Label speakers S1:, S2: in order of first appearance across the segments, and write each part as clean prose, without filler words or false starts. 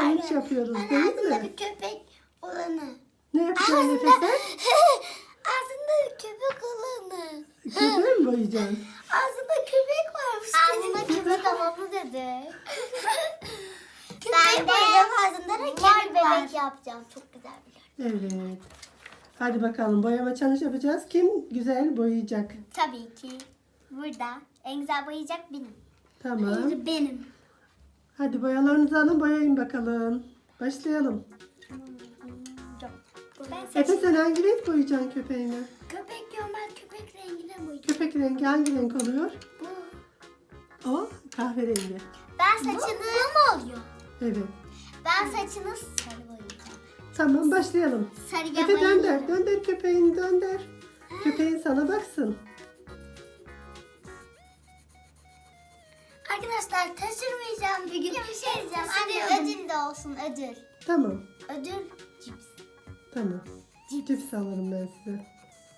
S1: challenge yapıyoruz
S2: Ben
S1: değil
S2: ağzında
S1: mi?
S2: bir köpek olanı.
S1: Ne yapacaksın Efe sen?
S2: Ağzında bir köpek olanı.
S1: Köpeği mi boyayacaksın?
S2: Ağzında köpek varmış. Ağzında köpek havamı dedi. Ben de ağzında da köpek bebek yapacağım. Çok güzel bir yer.
S1: Evet. Hadi bakalım boyama challenge yapacağız. Kim güzel boyayacak?
S2: Tabii ki. Burada en güzel boyayacak benim.
S1: Tamam.
S2: Benim.
S1: Hadi boyalarınızı alın boyayın bakalım. Başlayalım.
S2: Ben
S1: Efe sen hangi renk boyayacaksın köpeğini?
S2: köpek normal köpek rengine boyayacağım.
S1: Köpek rengi hangi renk oluyor?
S2: Bu.
S1: O kahverengi.
S2: Ben saçını... Bu mu oluyor?
S1: Evet.
S2: Ben saçını sarı boyayacağım.
S1: Tamam başlayalım.
S2: Sarıya
S1: Efe dönder.
S2: boyayacağım.
S1: Dönder köpeğini dönder. Köpeğin sana baksın.
S2: Arkadaşlar taşırmayacağım bir gün. Bir şey diyeceğim. Anne ödül de olsun ödül.
S1: Tamam.
S2: Ödül cips.
S1: Tamam. Cips alırım ben size.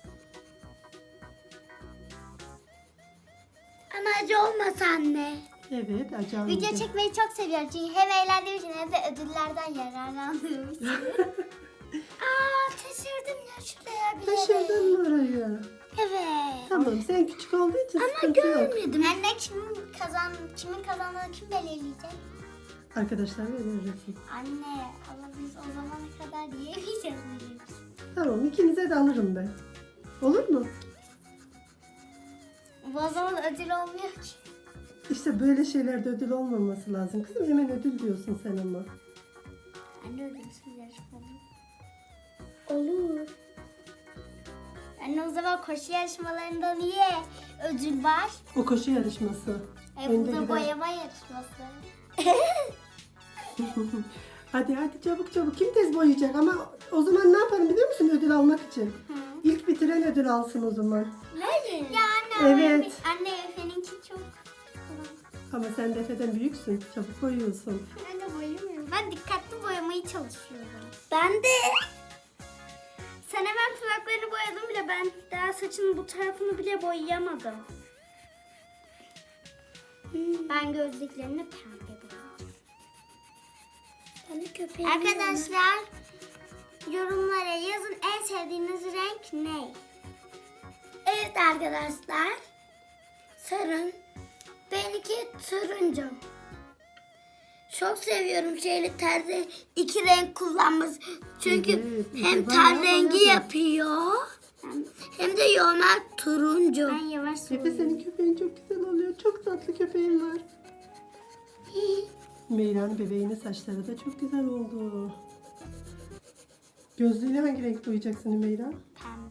S2: Ama acı olmasa anne.
S1: Evet acı
S2: Video
S1: almayacağım.
S2: çekmeyi çok seviyorum çünkü hem eğlendiğim için hem de ödüllerden yararlandığım için. Aa taşırdım ya şuraya bile.
S1: Taşırdın mı orayı?
S2: Evet.
S1: Tamam sen küçük olduğu için
S2: Ama
S1: sıkıntı yok.
S2: görmedim. Anne kimin kazandığını kim belirleyecek?
S1: Arkadaşlar verirsin.
S2: Anne ama biz o zamana kadar yiyemeyeceğiz mi?
S1: Tamam ikinize de alırım ben. Olur mu?
S2: Bu o zaman ödül olmuyor ki.
S1: İşte böyle şeylerde ödül olmaması lazım. Kızım hemen ödül diyorsun sen ama.
S2: Anne ödülsüz yarışma olur. Anne o zaman koşu yarışmalarında niye ödül var?
S1: O koşu yarışması.
S2: Bu
S1: Önde
S2: da
S1: giden.
S2: boyama yarışması.
S1: Hadi çabuk çabuk. Kim tez boyayacak ama o zaman ne yaparım biliyor musun ödül almak için? İlk bitiren ödül alsın o zaman.
S2: Hayır. Ya anne
S1: Evet.
S2: Anne Efe'ninki çok.
S1: Ama sen de Efe'den büyüksün. Çabuk boyuyorsun.
S2: Ben de boyamıyorum. Ben dikkatli boyamayı çalışıyorum. Ben de. Sen hemen kulaklarını boyadın bile. Ben daha saçının bu tarafını bile boyayamadım. Ben gözlüklerini pembe boyayacağım. Arkadaşlar yorumlara yazın en sevdiğiniz renk ne? Evet arkadaşlar. Sarı. Benimki turuncu. Çok seviyorum şeyli terzi iki renk kullanması. Çünkü
S1: Evet,
S2: hem
S1: bayağı
S2: ten rengi
S1: boyadı.
S2: yapıyor hem de normal turuncu. Ben yavaş
S1: Efe senin köpeğin çok güzel oluyor. Çok tatlı köpeğin var. Meyra'nın bebeğinin saçları da çok güzel oldu. Gözlüğünü hangi renk boyayacaksın Meyra?
S2: Pembe.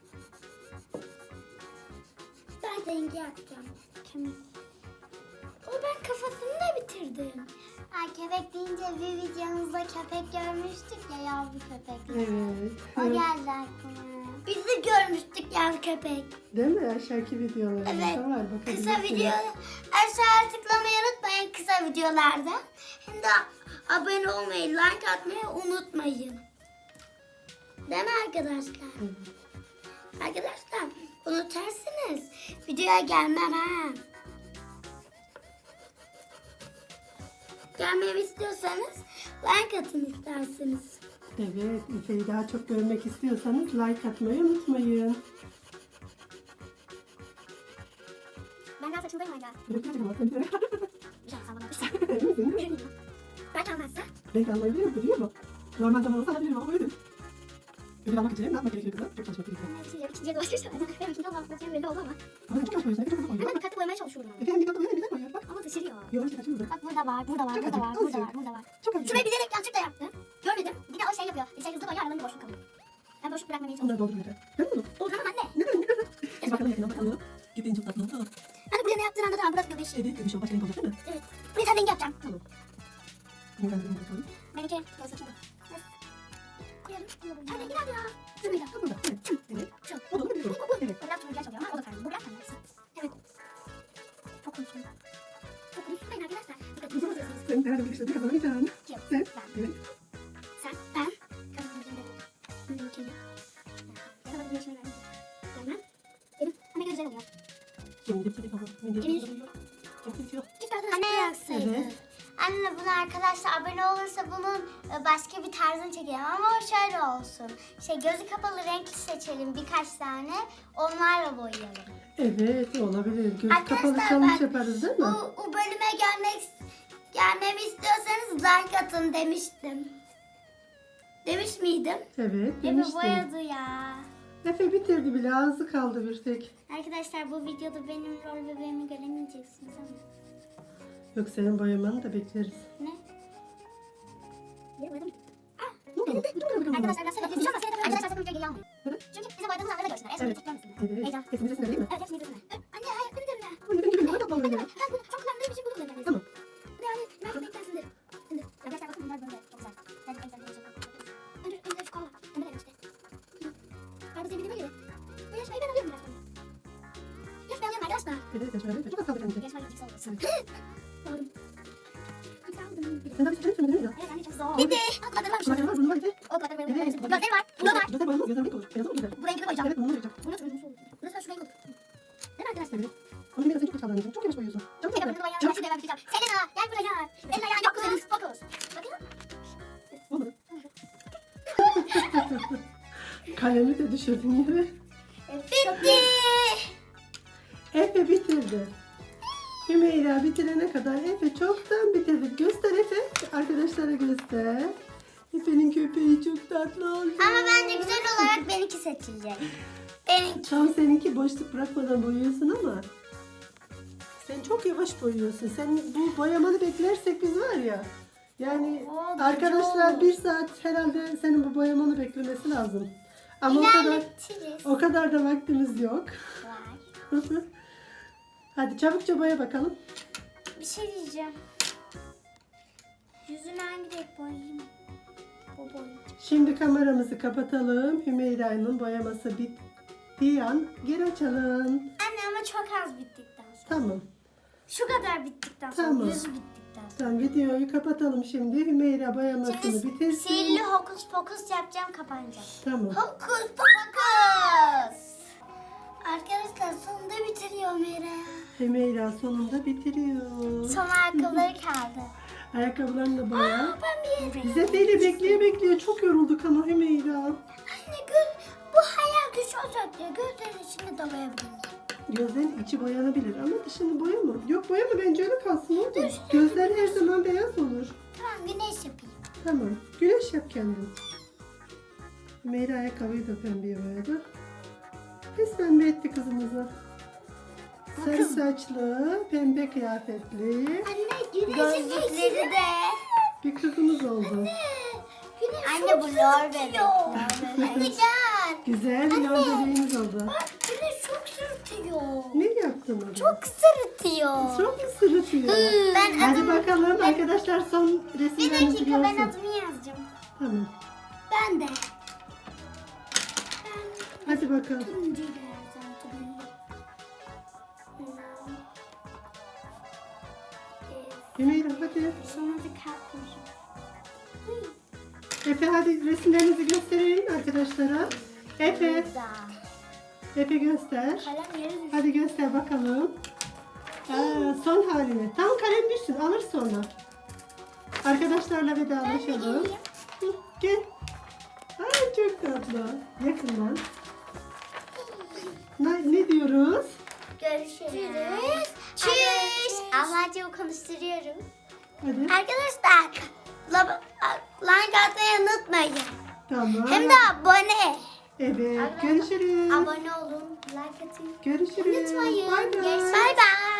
S2: Ben rengi yapacağım. Kemik. O ben kafasını da bitirdim. Ay köpek deyince bir videomuzda köpek görmüştük ya yavru köpek.
S1: Evet.
S2: O geldi aklıma. Biz de görmüştük yavru köpek.
S1: Değil mi? Aşağıki videolarımızda
S2: Evet.
S1: var.
S2: Kısa
S1: Bakabilirsiniz.
S2: video. Aşağıya tıklamayı unutmayın kısa videolarda. Hem de abone olmayı, like atmayı unutmayın. Değil mi arkadaşlar?
S1: Evet.
S2: Arkadaşlar unutursunuz. Videoya gelmem ha. Gelmemi istiyorsanız like atın isterseniz.
S1: Evet, Efe'yi daha çok görmek istiyorsanız like atmayı unutmayın.
S2: Ben daha saçımdayım hala. Güzel sallanmışsın.
S1: Emin misin?
S2: Belki almazsa.
S1: Renk almayı biliyor mu? Normal zaman olsa alabilirim ama öyle. Ödül almak için ne yapmak gerekiyor kızım? Çok çalışmak gerekiyor.
S2: İkinciye dolaşırsa. Benim ikinci olmam belli oldu ama.
S1: Ama çok yavaş boyuyorsun. Efe çok hızlı boyuyor.
S2: Ben dikkatli boyamaya çalışıyorum.
S1: Efe'nin dikkatli boyuyor, güzel boyuyor. Bak.
S2: Ama taşırıyor.
S1: Yavaş kaçıyordu.
S2: Bak burada var, burada var,
S1: Çok
S2: burada var,
S1: acı,
S2: burada
S1: azıcık.
S2: var, burada var.
S1: Çok acı.
S2: Şurayı bilerek yanlışlıkla yaptım. Görmedim. Bir de o şey yapıyor. Bir şey hızlı boyuyor, aralarında boşluk kalıyor. Ben boşluk bırakmamaya
S1: Onları
S2: çalışıyorum.
S1: doldurmayacak. Görüyor musun?
S2: Doldurmam anne.
S1: Hadi bakalım yakından bakalım. Köpeğin çok tatlı oldu.
S2: Hani buraya ne yaptığın anda tamam burası göbeği.
S1: Evet, göbüş o başka renk olacak değil mi?
S2: Evet. Buraya sen rengi yapacağım.
S1: Tamam. Bunu ben de renk bakalım.
S2: Benimki ben saçımda. Koyalım. Sen rengi nerede ya? Şurayla.
S1: Ha, burada. Evet. Evet.
S2: Şu.
S1: O da olabilir. Evet.
S2: O biraz turuncuya çalıyor ama o da pembe. Bu biraz pembe. Evet. Çok konuşuyorum. Çok konuşmayın arkadaşlar. Dikkat edin.
S1: Sen nerede bir işte kazanacaksın?
S2: Kim?
S1: Sen.
S2: Ben.
S1: Evet.
S2: Sen. Ben. Kazanacağım. Benimkini. Ya da güneşime verdim. Gelmem. Benim. Anne güzel oluyor.
S1: Şimdi bir kere kaldı.
S2: Emir.
S1: Çok bitiyor.
S2: Anne yaksaydı.
S1: Evet.
S2: Anne bunu arkadaşlar abone olursa bunun başka bir tarzını çekelim ama o şöyle olsun. Gözü kapalı renkli seçelim birkaç tane. Onlarla boyayalım.
S1: Evet olabilir. Göz kapalı
S2: Arkadaşlar
S1: challenge
S2: ben
S1: yaparız değil mi?
S2: bu bölüme gelmemi istiyorsanız like atın demiştim. Demiş miydim?
S1: Evet
S2: Efe
S1: demiştim.
S2: boyadı ya.
S1: Efe bitirdi bile, ağzı kaldı bir tek.
S2: Arkadaşlar bu videoda benim rol bebeğimi göremeyeceksiniz ama.
S1: Yok, senin boyamanı da bekleriz.
S2: Ne?
S1: Ne oldu?
S2: Arkadaşlar biraz sebep yapacağım ama arkadaşlar sakın videoyu almayın.
S1: Neden?
S2: Çünkü bize boyadığımız anları görsünler.
S1: Evet. Evet.
S2: Heyecan.
S1: Hepimiz resimde değil mi?
S2: Evet hepsini izlesinler. Anne hayır beni de mi?
S1: Anne, benim gibi boya yapmam öyle.
S2: Ben bunu çok kullandığım için bunu kullanacağım.
S1: Tamam.
S2: Ne yani? Ben renkten sindirim. Arkadaşlar bakın bunlar böyle. Çok güzel. Ben en sevdiğim şey. Önce şu kola. Önce de işte. Karpuz sevdiğime göre. Bu yarışmayı ben alıyorum biraz sonra. Yarışmayı alıyorum arkadaşlar.
S1: Evet, evet. Çok az kaldı bence.
S2: Yarışmayı ilk olsun. Doğru. İlk aldım.
S1: Sen daha bir şey söylemedin mi ya?
S2: Evet anne çok zor. Bitti. O kadar varmış.
S1: Şuna var, bunun var bir de.
S2: O kadar böyle.
S1: Evet.
S2: Gözleri var. Bu da var.
S1: Gözler boyanmaz, gözler renk olur. Beyaz olur güzel.
S2: Bu rengi koyacağım.
S1: Evet, bunu boyayacağım.
S2: Bu nasıl olmuş olur? Bu nasıl şu renk olur? Değil mi arkadaşlar?
S1: Evet. Ama biraz çok geç kaldın. Çok yavaş boyuyorsun. Çabuk
S2: Selena
S1: yap.
S2: bunu
S1: Çabuk.
S2: bayağı yapacağım. Selena gel buraya. Senin ayağın yok kızım. Fokus. Bakın.
S1: Olmadı. Kalemi de düşürdün yere.
S2: Bitti.
S1: Efe bitirdi. Hümeyra bitirene kadar Efe çoktan bitirdi. Göster Efe. Arkadaşlara göster. Efe'nin köpeği çok tatlı oldu.
S2: Ama bence güzel olarak benimki seçilecek. Benimki.
S1: Tam seninki boşluk bırakmadan boyuyorsun ama sen çok yavaş boyuyorsun. Sen bu boyamanı beklersek biz var ya. Yani
S2: Oo,
S1: arkadaşlar
S2: çok.
S1: 1 saat herhalde senin bu boyamanı beklemesi lazım. Ama
S2: İlerletiriz.
S1: o kadar da vaktimiz yok.
S2: Var.
S1: Hadi çabukça boya bakalım.
S2: Bir şey diyeceğim. Yüzünü hangi renk boyayayım? Bu boyayacağım.
S1: Şimdi kameramızı kapatalım. Hümeyra'nın boyaması bittiği an geri açalım.
S2: Anne ama çok az bittikten sonra.
S1: Tamam.
S2: Şu kadar bittikten sonra.
S1: Tamam.
S2: Yüzü bittikten sonra.
S1: Tamam, videoyu kapatalım şimdi. Hümeyra boyamasını
S2: Şimdi
S1: bitirsin.
S2: sihirli hokus pokus yapacağım, kapanacak.
S1: Tamam.
S2: Hokus pokus. Arkadaşlar sonunda bitiriyor Mera.
S1: Hümeyra sonunda bitiriyor.
S2: Son ayakkabıları kaldı.
S1: Ayakkabılarını da boya.
S2: Ben bir...
S1: Biz Efe'yle bekleye çok yorulduk ama Hümeyra.
S2: Anne bu hayal güç olacak ya. Gözlerin içinde de boyayabilirim.
S1: Gözlerin içi boyanabilir ama dışını boyama. Yok, boyama, bence öyle kalsın oğlum. Gözler her zaman beyaz olur.
S2: Tamam güneş yapayım.
S1: Tamam. Güneş yap kendin. Hümeyra ayakkabıyı da pembeye boyadı. Biz pembe etti kızımızı. Sarı saçlı, pembe kıyafetli
S2: Anne gözlükleri de.
S1: bir kızımız oldu.
S2: Güneş anne bu lor bebek. Anne gel.
S1: Güzel bir yol bebeğimiz oldu.
S2: Bak güneş çok sırıtıyor.
S1: Ne yaptın orada?
S2: Çok sırıtıyor.
S1: Çok mu sırıtıyor?
S2: Ben
S1: Hadi
S2: adımı...
S1: bakalım arkadaşlar, son
S2: Bir
S1: resimlerinizi
S2: dakika ben
S1: görsün.
S2: adımı yazacağım.
S1: Tamam.
S2: Ben de.
S1: Hadi bakalım.
S2: Turuncuyu da yazacağım. Turuncu.
S1: Hümeyra hadi.
S2: Sonra da kalp koyacağım.
S1: Efe hadi resimlerinizi gösterin arkadaşlara. Efe,
S2: Burada.
S1: Efe göster.
S2: Kalem yere düştü.
S1: Hadi göster bakalım. Son halini. Tam kalem düşsün, alır sonra. Arkadaşlarla vedalaşalım. Hı, gel. Ay çok tatlı. Yakından. Ne diyoruz?
S2: Görüşürüz. Çüş. Ablacığımı konuşturuyorum.
S1: Hadi.
S2: Arkadaşlar like atmayı unutmayın.
S1: Tamam.
S2: Hem de abone.
S1: Evet. Görüşürüz.
S2: Abone olun. Like atın.
S1: Görüşürüz.
S2: Unutmayın.
S1: Bay bay.
S2: Bye bye.